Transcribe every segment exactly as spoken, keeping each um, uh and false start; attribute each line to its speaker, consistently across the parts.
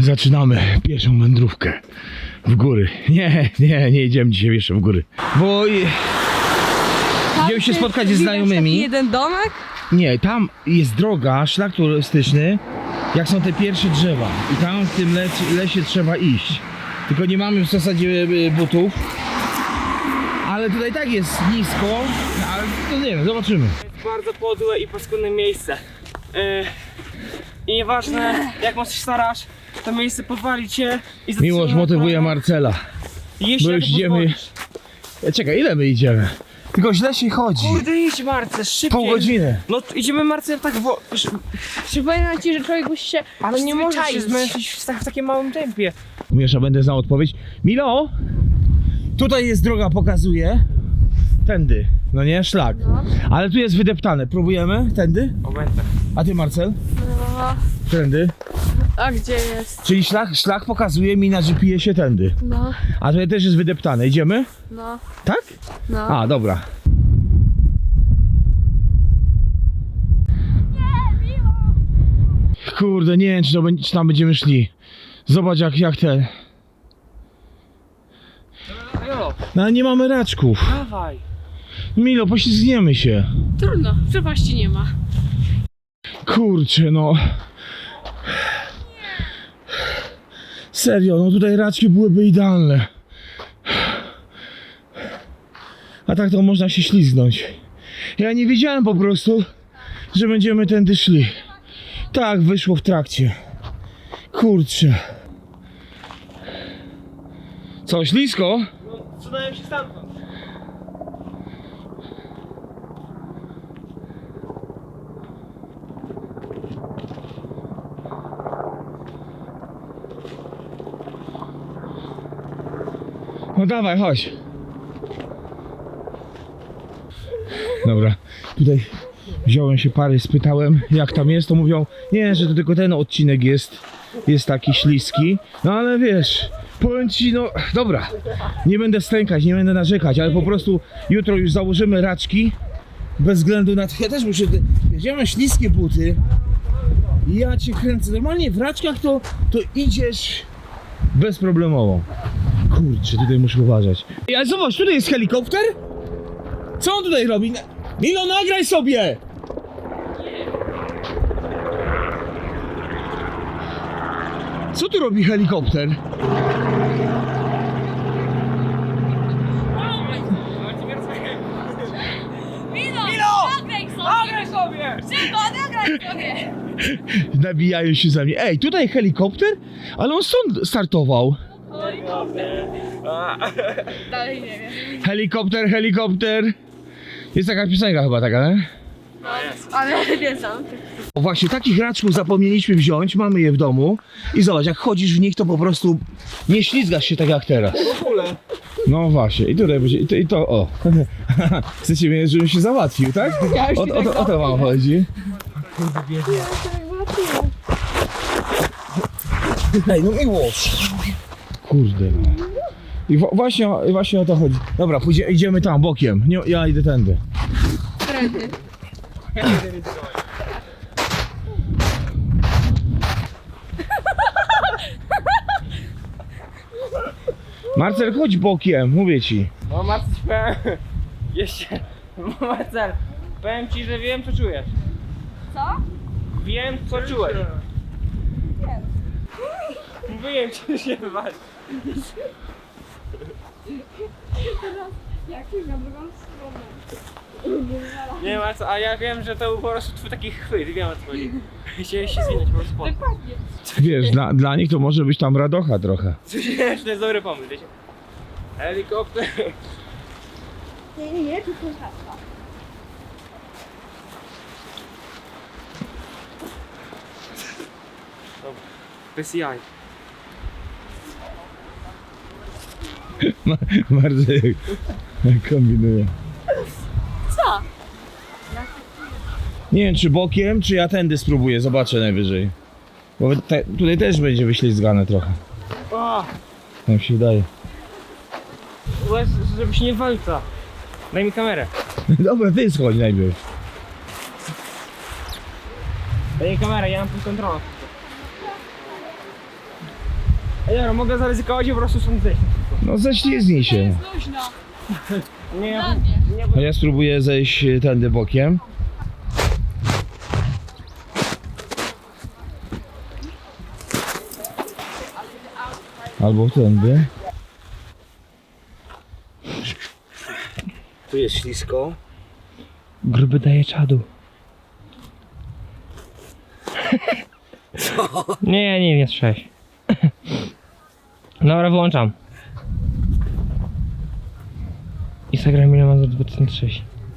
Speaker 1: Zaczynamy pierwszą wędrówkę w góry. Nie, nie, nie idziemy dzisiaj jeszcze w góry. Bo idziemy się spotkać ze znajomymi.
Speaker 2: Jeden domek?
Speaker 1: Nie, tam jest droga, szlak turystyczny, jak są te pierwsze drzewa. I tam w tym le lesie trzeba iść. Tylko nie mamy w zasadzie butów. Ale tutaj tak jest nisko, ale to nie wiem, zobaczymy.
Speaker 3: To jest bardzo podłe i paskudne miejsce. Yy, I nieważne jak mocno się starasz, to miejsce powali cię i
Speaker 1: Miłość motywuje Marcela.
Speaker 3: Jeśli
Speaker 1: Bo już idziemy. Czekaj, ile my idziemy? Tylko źle się chodzi.
Speaker 3: Kurde, idź Marce, szybciej.
Speaker 1: Pół godziny.
Speaker 3: No idziemy Marce tak wo...
Speaker 2: Przypominam ci, że człowiek musi się
Speaker 3: Ale nie możesz się
Speaker 2: przyzwyczaić.
Speaker 3: zmęczyć w, tak, w takim małym tempie.
Speaker 1: Miesza, będę znał odpowiedź. Milo! Tutaj jest droga, pokazuje. Tędy, no nie? Szlak.
Speaker 2: No.
Speaker 1: Ale tu jest wydeptane. Próbujemy? Tędy?
Speaker 3: Obędę.
Speaker 1: A ty, Marcel?
Speaker 2: No.
Speaker 1: Tędy.
Speaker 2: A gdzie jest?
Speaker 1: Czyli szlak, szlak pokazuje mi na G P S-ie tędy.
Speaker 2: No,
Speaker 1: A tutaj też jest wydeptane. Idziemy?
Speaker 2: no,
Speaker 1: Tak?
Speaker 2: no.
Speaker 1: A, dobra. Kurde, nie wiem, czy, to, będzie- czy tam będziemy szli. Zobacz, jak, jak ten.
Speaker 3: Jo,
Speaker 1: No ale nie mamy raczków.
Speaker 3: dawaj.
Speaker 1: Milo, poślizgniemy się.
Speaker 2: Trudno, przepaści nie ma.
Speaker 1: Kurczę, no. Serio, no tutaj raczki byłyby idealne. A tak to można się ślizgnąć. Ja nie wiedziałem po prostu, że będziemy tędy szli. Tak, wyszło w trakcie. Kurczę. Co, ślisko?
Speaker 3: No, cudałem się stamtąd.
Speaker 1: No dawaj, chodź. Dobra, tutaj wziąłem się pary, spytałem jak tam jest, to mówią, nie, że to tylko ten odcinek jest, jest taki śliski. No ale wiesz, powiem ci, no dobra, nie będę stękać, nie będę narzekać, ale po prostu jutro już założymy raczki, bez względu na to, ja też muszę, ja mam śliskie buty, ja cię kręcę, normalnie w raczkach to, to idziesz bezproblemowo. Kurczę, tutaj muszę uważać. Ej, ale zobacz, tutaj jest helikopter? Co on tutaj robi? Milo, nagraj sobie! Co tu robi helikopter?
Speaker 2: Milo! Nagraj sobie!
Speaker 3: Nagraj sobie!
Speaker 2: Szybko, nagraj sobie!
Speaker 1: Nabijają się za mnie. Ej, tutaj helikopter? Ale on stąd startował.
Speaker 2: Dalej nie wiem.
Speaker 1: Helikopter, helikopter. Jest taka piosenka chyba taka, nie?
Speaker 2: Ale nie znam.
Speaker 1: O, właśnie takich raczków zapomnieliśmy wziąć, mamy je w domu. I zobacz, jak chodzisz w nich, to po prostu nie ślizgasz się tak jak teraz.
Speaker 3: W ogóle.
Speaker 1: No właśnie, i tutaj będzie, i to, i to o. Chcecie mnie, żebym się załatwił, tak?
Speaker 2: Ja już
Speaker 1: O,
Speaker 2: się
Speaker 1: o, to, o to wam chodzi. Ej, no miłość. Kurde no. I wa- właśnie, właśnie o to chodzi. Dobra, pójdzie, idziemy tam, bokiem. Nie, ja idę tędy.
Speaker 2: Trendy.
Speaker 1: Marcel, chodź bokiem, mówię ci.
Speaker 3: No Marcel, powiem... Jeszcze... Marcel, powiem ci, że wiem co czujesz.
Speaker 2: Co?
Speaker 3: Wiem co czułeś. Mówiłem ci, że się wywali.
Speaker 2: Jak na drugą stronę.
Speaker 3: Nie Marcel, a ja wiem, że to był po prostu twój taki chwyt, wiem o co chodzi. Chciałeś się zwinąć po prostu.
Speaker 2: Dokładnie.
Speaker 1: Wiesz, dla, dla nich to może być tam radocha trochę.
Speaker 3: Coś nie, że to jest dobry pomysł, wiecie? Helikopter.
Speaker 2: Nie, nie, nie, tylko hasła.
Speaker 3: Bez jaj.
Speaker 1: Ma- Marcel kombinuje.
Speaker 2: Co?
Speaker 1: Nie wiem, czy bokiem, czy ja tędy spróbuję, zobaczę najwyżej. Bo te, tutaj też będzie wyślizgane trochę.
Speaker 3: O!
Speaker 1: Jak się wydaje.
Speaker 3: Łez, żebyś nie walca. Daj mi kamerę.
Speaker 1: Dobra, ty schodź najpierw.
Speaker 3: Daj mi kamerę, ja mam tu kontrolę. Ej, dobra, mogę zaryzykować i po prostu stąd zejść.
Speaker 1: No ześliznij się.
Speaker 2: Jest luźno.
Speaker 3: Nie,
Speaker 2: Dla mnie.
Speaker 3: nie,
Speaker 1: A ja spróbuję zejść tędy bokiem. Albo tędy. Tu jest ślisko. Gruby daje czadu.
Speaker 3: Nie, nie, nie sześć. Dobra, wyłączam. Instagram ile ma za dwa tysiące sześć.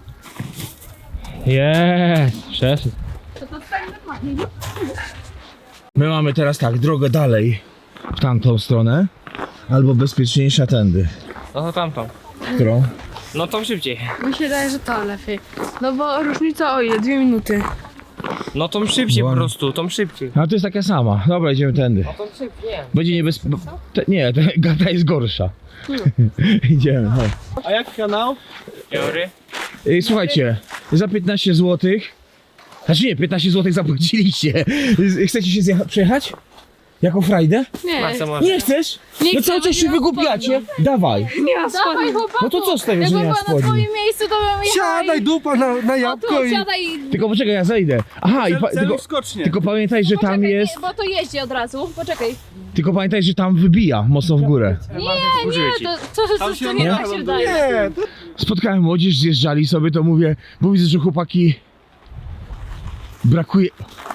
Speaker 3: Jest, przeszedł.
Speaker 2: To to tak normalnie.
Speaker 1: My mamy teraz tak, drogę dalej w tamtą stronę, albo bezpieczniejsza tędy.
Speaker 3: No to tamtą.
Speaker 1: Którą?
Speaker 3: No to szybciej.
Speaker 2: Mi się wydaje, że to lepiej. No bo różnica o ile? Dwie minuty.
Speaker 3: No to szybciej
Speaker 1: Bo-
Speaker 3: po prostu, to szybciej.
Speaker 1: A to jest taka sama. Dobra, idziemy tędy.
Speaker 3: No to szybciej, nie.
Speaker 1: Będzie niebezpieczne. Nie, ta gata jest gorsza. Idziemy. No.
Speaker 3: A jak kanał? Teory.
Speaker 1: Ej, słuchajcie, za piętnaście złotych. Znaczy nie, piętnaście złotych zapłaciliście. Chcecie się zjecha- przejechać? Jako frajdę?
Speaker 2: Nie,
Speaker 3: Masa może.
Speaker 1: Nie chcesz?
Speaker 2: Nie
Speaker 1: No
Speaker 2: chcę,
Speaker 1: cały czas się
Speaker 2: nie mam
Speaker 1: wygłupiacie. Dawaj.
Speaker 2: nie ma spodni.
Speaker 1: No to co z tego, że
Speaker 2: Jakbym
Speaker 1: nie ma
Speaker 2: była na
Speaker 1: spodni?
Speaker 2: twoim miejscu, to bym jechała
Speaker 4: Siadaj
Speaker 2: i...
Speaker 4: dupa na, na
Speaker 2: O
Speaker 4: jabłko
Speaker 2: tu,
Speaker 4: i
Speaker 2: siadaj.
Speaker 1: Tylko poczekaj, ja zejdę. Aha, i pa-
Speaker 4: cel,
Speaker 1: tylko,
Speaker 4: skocznie.
Speaker 1: tylko pamiętaj, że tam
Speaker 2: Poczekaj,
Speaker 1: jest.
Speaker 2: nie, bo to jeździ od razu. Poczekaj.
Speaker 1: Tylko pamiętaj, że tam wybija mocno w górę.
Speaker 2: Nie, nie, to, to, to, to,
Speaker 4: się
Speaker 2: to nie
Speaker 4: nie
Speaker 2: tak się wydaje.
Speaker 4: Nie, to
Speaker 1: Spotkałem młodzież, zjeżdżali sobie, to mówię, bo widzę, że chłopaki brakuje.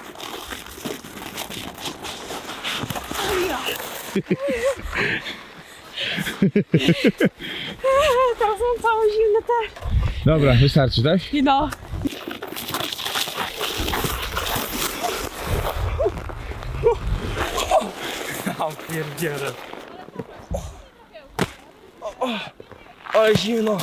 Speaker 2: Tam są całe zimne te...
Speaker 1: Dobra, wystarczy, tak?
Speaker 2: No.
Speaker 3: O pierdziele. Ale zimno.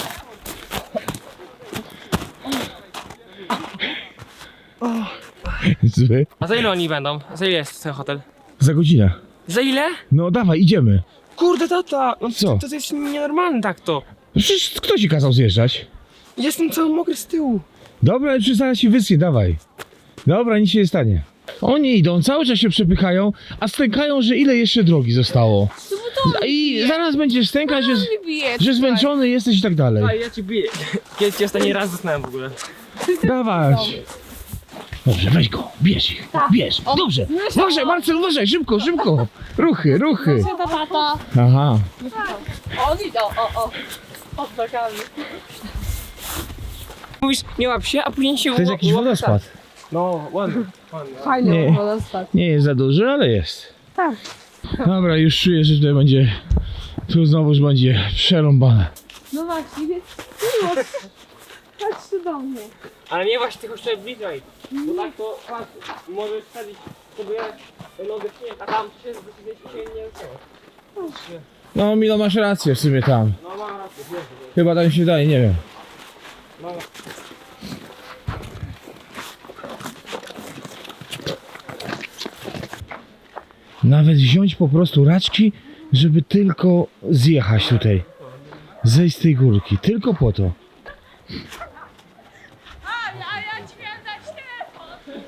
Speaker 1: Zły.
Speaker 3: A za ile oni będą? Za ile jest ten hotel?
Speaker 1: Za godzinę.
Speaker 3: Za ile?
Speaker 1: No dawaj, idziemy.
Speaker 3: Kurde tata, no
Speaker 1: Co?
Speaker 3: To, to jest nienormalne tak to.
Speaker 1: Przecież kto ci kazał zjeżdżać?
Speaker 3: Jestem cały mokry z tyłu.
Speaker 1: Dobra, ale przecież zaraz się wyschnie, dawaj. Dobra, nic się nie stanie. Oni idą, cały czas się przepychają, a stękają, że ile jeszcze drogi zostało. I zaraz będziesz stękać, że,
Speaker 2: Nie bije.
Speaker 1: że zmęczony jesteś i tak dalej.
Speaker 3: A ja ci biję. Kiedy cię ostatni raz zasnąłem w ogóle.
Speaker 1: Dawaj. Dobrze, weź go, bierz ich, bierz. Dobrze, uważaj, Marcel, uważaj, szybko, szybko. Ruchy, ruchy.
Speaker 2: Ta tata.
Speaker 1: Aha.
Speaker 2: On idą, o, o. Pod nogami.
Speaker 3: Mówisz, nie łap się, a później się
Speaker 1: To jest jakiś wodospad.
Speaker 3: No, ładny. ładny.
Speaker 2: Fajnie
Speaker 1: Nie.
Speaker 2: było dostać.
Speaker 1: Nie jest za duży, ale jest.
Speaker 2: Tak.
Speaker 1: Dobra, już czuję, że tutaj będzie, tu znowuż będzie przerąbane.
Speaker 2: No właśnie, więc miło. Chodź do mnie.
Speaker 3: Ale nie właśnie tylko jeszcze bliżej. Bo tak to patrz, możesz wsadzić sobie nogę w śnieg, a tam się zdecydowanie się nie ruszało.
Speaker 1: No Milo, masz rację w sumie tam.
Speaker 3: No mam rację, wiesz.
Speaker 1: Chyba tam się daje, nie wiem.
Speaker 3: No.
Speaker 1: Nawet wziąć po prostu raczki, żeby tylko zjechać tutaj. Zejść z tej górki, tylko po to.
Speaker 2: A ja ci miałem dać telefon.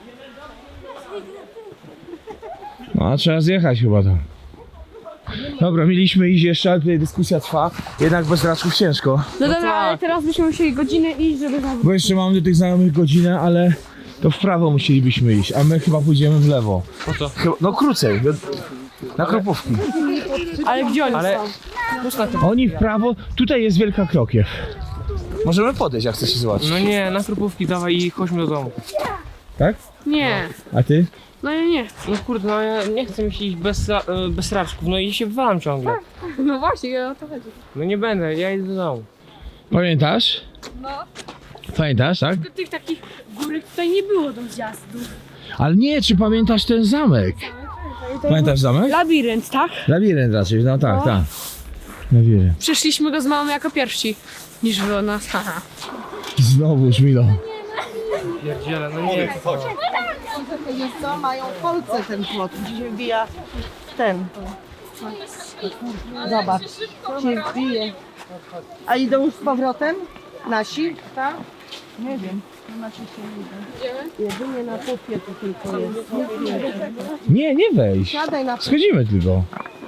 Speaker 1: No a trzeba zjechać chyba tam. Dobra, mieliśmy iść jeszcze, ale tutaj dyskusja trwa. Jednak bez raczków ciężko.
Speaker 2: No dobra, ale teraz byśmy musieli godzinę iść, żeby zawrócić.
Speaker 1: Bo jeszcze mamy do tych znajomych godzinę, ale to w prawo musielibyśmy iść, a my chyba pójdziemy w lewo.
Speaker 3: Po co?
Speaker 1: Chyba, no krócej, do- na Kropówki.
Speaker 2: Ale gdzie oni
Speaker 3: Ale-
Speaker 2: są?
Speaker 1: Oni w prawo, tutaj jest Wielka Krokiew. Możemy podejść, jak chcecie zobaczyć.
Speaker 3: No nie, na krupówki dawaj i chodźmy do domu.
Speaker 1: Tak?
Speaker 2: Nie.
Speaker 1: A ty?
Speaker 2: No ja nie.
Speaker 3: No kurde, no ja nie chcę mi się iść bez, ra- e, bez raczków, no i się wywalam ciągle.
Speaker 2: No właśnie, o to chodzi.
Speaker 3: No nie będę, ja idę do domu.
Speaker 1: Pamiętasz?
Speaker 2: No.
Speaker 1: Pamiętasz, tak?
Speaker 2: To tych takich górek tutaj nie było do zjazdu.
Speaker 1: Ale nie, czy pamiętasz ten zamek? Pamiętasz zamek?
Speaker 2: Labirynt, tak?
Speaker 1: Labirynt raczej, no tak,
Speaker 2: No.
Speaker 1: tak. Labirynt.
Speaker 2: Przeszliśmy go z mamą jako pierwsi. Niż było nas, haha.
Speaker 1: Znowuż, Milo.
Speaker 3: Pierdziele, no nie.
Speaker 5: Wiesz co, mają w Polsce ten płot, gdzie się wbija ten. Zobacz, się wbije. A idą już z powrotem? Nasi? Tak? Nie wiem. Nasi się nie idą. Jedynie na pupie to tylko jest. Nie wiem.
Speaker 1: Nie, nie wejdź.
Speaker 5: Siadaj na
Speaker 1: Schodzimy tylko.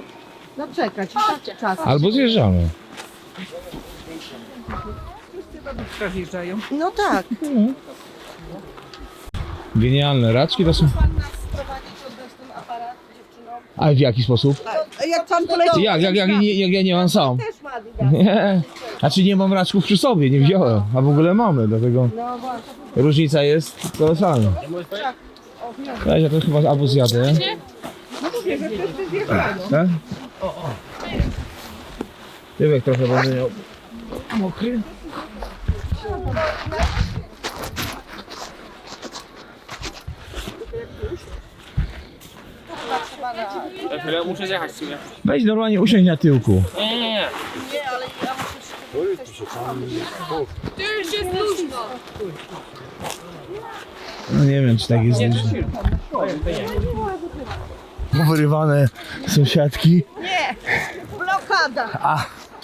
Speaker 5: No czekać, tak, czas.
Speaker 1: Albo zjeżdżamy.
Speaker 5: Zjeżdżają. No tak.
Speaker 1: Genialne raczki to są.
Speaker 5: Pan nas sprowadzić od nas ten aparat dziewczyną.
Speaker 1: A w jaki sposób?
Speaker 5: Jak pan poleci?
Speaker 1: Jak, jak, jak, nie, jak ja nie mam sam?
Speaker 5: Też ma Adidas.
Speaker 1: Nie. Znaczy nie mam raczków przy sobie, nie wziąłem. A w ogóle mamy, dlatego
Speaker 5: No właśnie.
Speaker 1: różnica jest kolosalna. Weź, ja to chyba albo zjadę.
Speaker 5: No mówię, że wszyscy zjeżdżają.
Speaker 1: Tak? Tyłek trochę będę miał mokry.
Speaker 3: Ja chwilę muszę zjechać w sumie.
Speaker 1: Weź normalnie usiądź na tyłku.
Speaker 3: Nie, nie, nie.
Speaker 2: Tu już jest luźno.
Speaker 1: No nie wiem, czy tak jest luźno. Wyrywane sąsiadki.
Speaker 5: Nie! Blokada!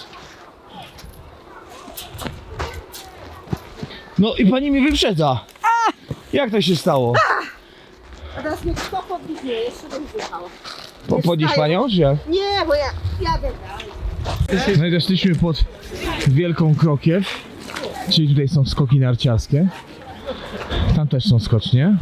Speaker 1: No i pani mi wyprzedza. Jak to się stało?
Speaker 5: A teraz mnie kto podbiegnie? Jeszcze bym zjechała.
Speaker 1: Po, podnieść panią, czy jak?
Speaker 5: Nie, bo ja jadę dalej.
Speaker 1: No i doszliśmy pod Wielką Krokiew, czyli tutaj są skoki narciarskie. Tam też są skocznie.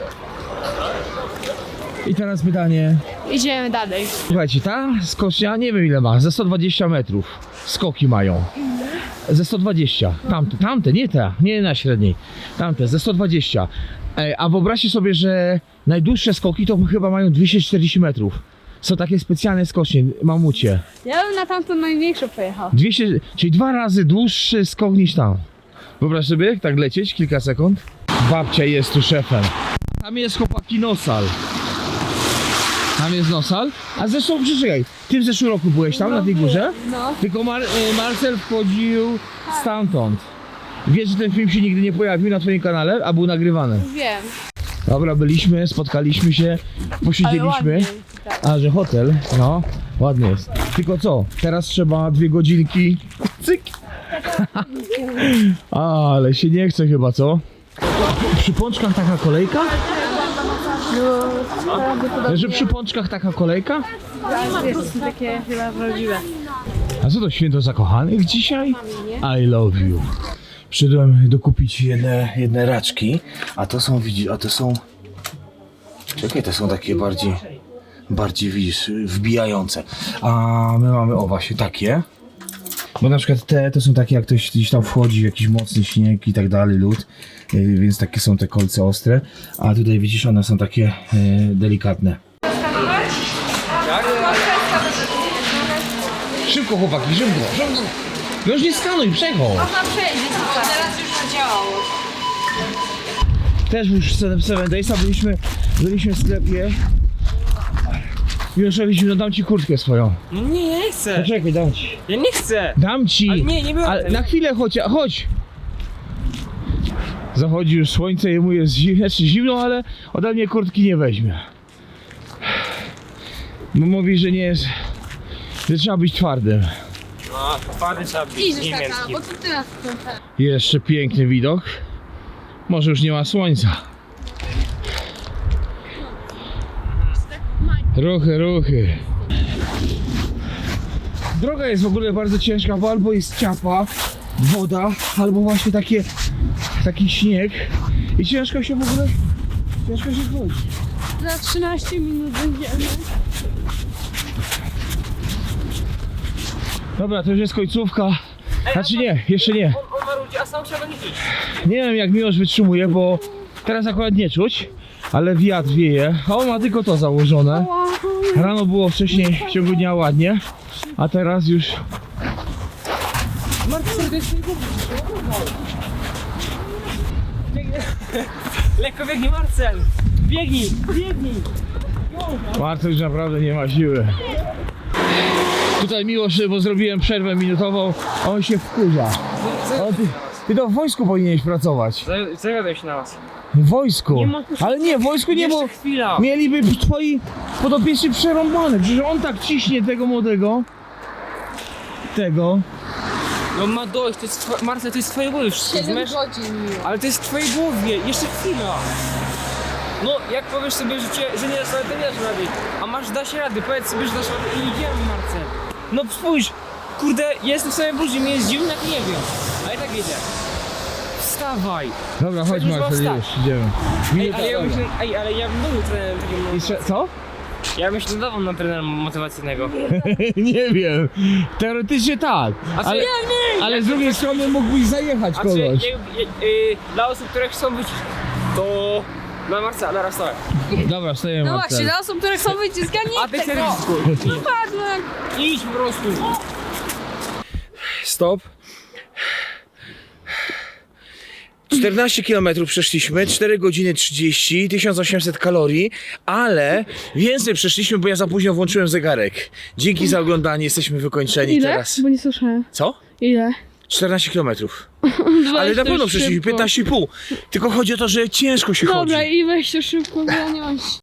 Speaker 1: I teraz pytanie.
Speaker 2: Idziemy dalej.
Speaker 1: Słuchajcie, ta skocznia nie wiem ile ma, ze sto dwadzieścia metrów skoki mają. Ze sto dwadzieścia. Tamte, tamte, nie te, nie na średniej. Tamte, ze sto dwadzieścia. Ej, a wyobraźcie sobie, że najdłuższe skoki to chyba mają dwieście czterdzieści metrów. Są takie specjalne skocznie, mamucie.
Speaker 2: Ja bym na tamtą największą pojechał.
Speaker 1: dwieście, czyli dwa razy dłuższy skok niż tam. Wyobraź sobie, jak tak lecieć kilka sekund. Babcia jest tu szefem. Tam jest chłopaki Nosal. Tam jest Nosal. A zresztą, przeczekaj, ty w zeszłym roku byłeś tam, na tej górze?
Speaker 2: No.
Speaker 1: Tylko Mar y, Marcel wchodził stamtąd. Wiesz, że ten film się nigdy nie pojawił na twoim kanale, a był nagrywany.
Speaker 2: Wiem.
Speaker 1: Dobra, byliśmy, spotkaliśmy się,
Speaker 2: Ale
Speaker 1: posiedzieliśmy.
Speaker 2: ładnie. Tak.
Speaker 1: A, że hotel? No, ładny jest. Tylko co? Teraz trzeba dwie godzinki. Cyk! Ale się nie chce chyba, co? Przy pączkach taka kolejka? No, że przy pączkach taka kolejka?
Speaker 2: Wiesz, są takie chyba prawdziwe.
Speaker 1: A co to święto zakochanych dzisiaj? I love you. Przyszedłem dokupić jedne, jedne raczki, a to są, widzisz, a to są... Czekaj, to są takie bardziej, bardziej, widzisz, wbijające. A my mamy, o właśnie, takie. Bo na przykład te, to są takie, jak ktoś gdzieś tam wchodzi w jakiś mocny śnieg i tak dalej, lód, yy, więc takie są te kolce ostre. A tutaj widzisz, one są takie yy, delikatne. Szybko chłopaki, szybko, szybko. No już nie skanuj, przechodź.
Speaker 2: Można przejść, teraz już zadziałało.
Speaker 1: Też już w Seven Daysa byliśmy, byliśmy w sklepie. Już robiliśmy, no dam ci kurtkę swoją.
Speaker 3: No nie, ja nie chcę.
Speaker 1: Poczekaj, dam ci.
Speaker 3: Ja nie chcę.
Speaker 1: Dam ci!
Speaker 3: Ale nie, nie było
Speaker 1: Ale
Speaker 3: tego.
Speaker 1: na chwilę chodź, chodź! Zachodzi już słońce, jemu jest zimno, znaczy zimno, ale ode mnie kurtki nie weźmie. Bo mówi, że nie jest, że trzeba być twardym.
Speaker 3: No, twardy trzeba być,
Speaker 2: Idziesz
Speaker 3: nie
Speaker 2: taka,
Speaker 3: miękki.
Speaker 2: bo to teraz
Speaker 1: Jeszcze piękny widok. Może już nie ma słońca. Ruchy, ruchy. Droga jest w ogóle bardzo ciężka, bo albo jest ciapa, woda, albo właśnie takie, taki śnieg. I ciężko się w ogóle, ciężko się wchodzić.
Speaker 2: za trzynaście minut będziemy.
Speaker 1: Dobra, to już jest końcówka. Znaczy nie, jeszcze nie.
Speaker 3: On, on marudzi, a sam trzeba liczyć.
Speaker 1: Nie wiem jak Miłosz wytrzymuje, bo teraz akurat nie czuć, ale wiatr wieje, a on ma tylko to założone. Rano było wcześniej w ciągu dnia ładnie, a teraz już...
Speaker 3: Lekko biegnij, Marcel. Biegnij, biegnij.
Speaker 1: Marcel już naprawdę nie ma siły. Tutaj Miłosz, bo zrobiłem przerwę minutową, a on się wkurza. O, ty, ty to w wojsku powinieneś pracować.
Speaker 3: Zawiadaj się na was.
Speaker 1: W wojsku.
Speaker 3: Nie ma-
Speaker 1: Ale nie, w wojsku nie, bo
Speaker 3: Jeszcze chwila.
Speaker 1: mieliby twoi podopieczni przerąbane. Przecież on tak ciśnie tego młodego. Tego.
Speaker 3: No ma dojść, to jest twoje, Marcel, to jest twoje głowy już, rozumiesz?
Speaker 2: godzin miło.
Speaker 3: Ale to jest w twojej głowie, jeszcze chwila. No, jak powiesz sobie, że, cię, że nie dasz rady, to nie dasz rady. A masz, da się rady, powiedz sobie, że dasz rady i idziemy, Marcel. No spójrz, kurde, jestem w samej burzy, mnie jest zimno, jak nie wiem. A i tak jedzie. Wstawaj.
Speaker 1: Dobra, chodź
Speaker 3: Już
Speaker 1: Marcel,
Speaker 3: mam
Speaker 1: już, idziemy.
Speaker 3: Ej,
Speaker 1: Minuta,
Speaker 3: ale ja
Speaker 1: dobra.
Speaker 3: myślę, ej, ale ja bym był trenerem takim...
Speaker 1: I trze- co?
Speaker 3: Ja bym się nadawał na trenera motywacyjnego.
Speaker 1: Nie wiem. Teoretycznie tak.
Speaker 3: A co,
Speaker 1: Ale,
Speaker 3: ja nie!
Speaker 1: ale z drugiej strony mógłbyś zajechać
Speaker 3: A czy,
Speaker 1: kogoś.
Speaker 3: nie, nie, y, dla osób, które chcą być, to... Dla Marca, na raz tak.
Speaker 1: Dobra, stajemy
Speaker 2: No
Speaker 1: Marcel.
Speaker 2: właśnie, dla osób, które chcą wyciskać, nie
Speaker 3: A ty
Speaker 2: chcę
Speaker 3: chcesz
Speaker 2: go.
Speaker 3: dyskutować.
Speaker 2: No patrz, no jak...
Speaker 3: Idź po prostu. Stop.
Speaker 1: czternaście kilometrów przeszliśmy, cztery godziny trzydzieści, tysiąc osiemset kalorii, ale więcej przeszliśmy, bo ja za późno włączyłem zegarek. Dzięki za oglądanie, jesteśmy wykończeni
Speaker 2: Ile?
Speaker 1: teraz.
Speaker 2: Bo nie słyszałem.
Speaker 1: Co?
Speaker 2: Ile?
Speaker 1: czternaście kilometrów. Ale na pewno przeszliśmy piętnaście i pół. Tylko chodzi o to, że ciężko się chodzi.
Speaker 2: Dobra, i weź to szybko, bo ja nie mam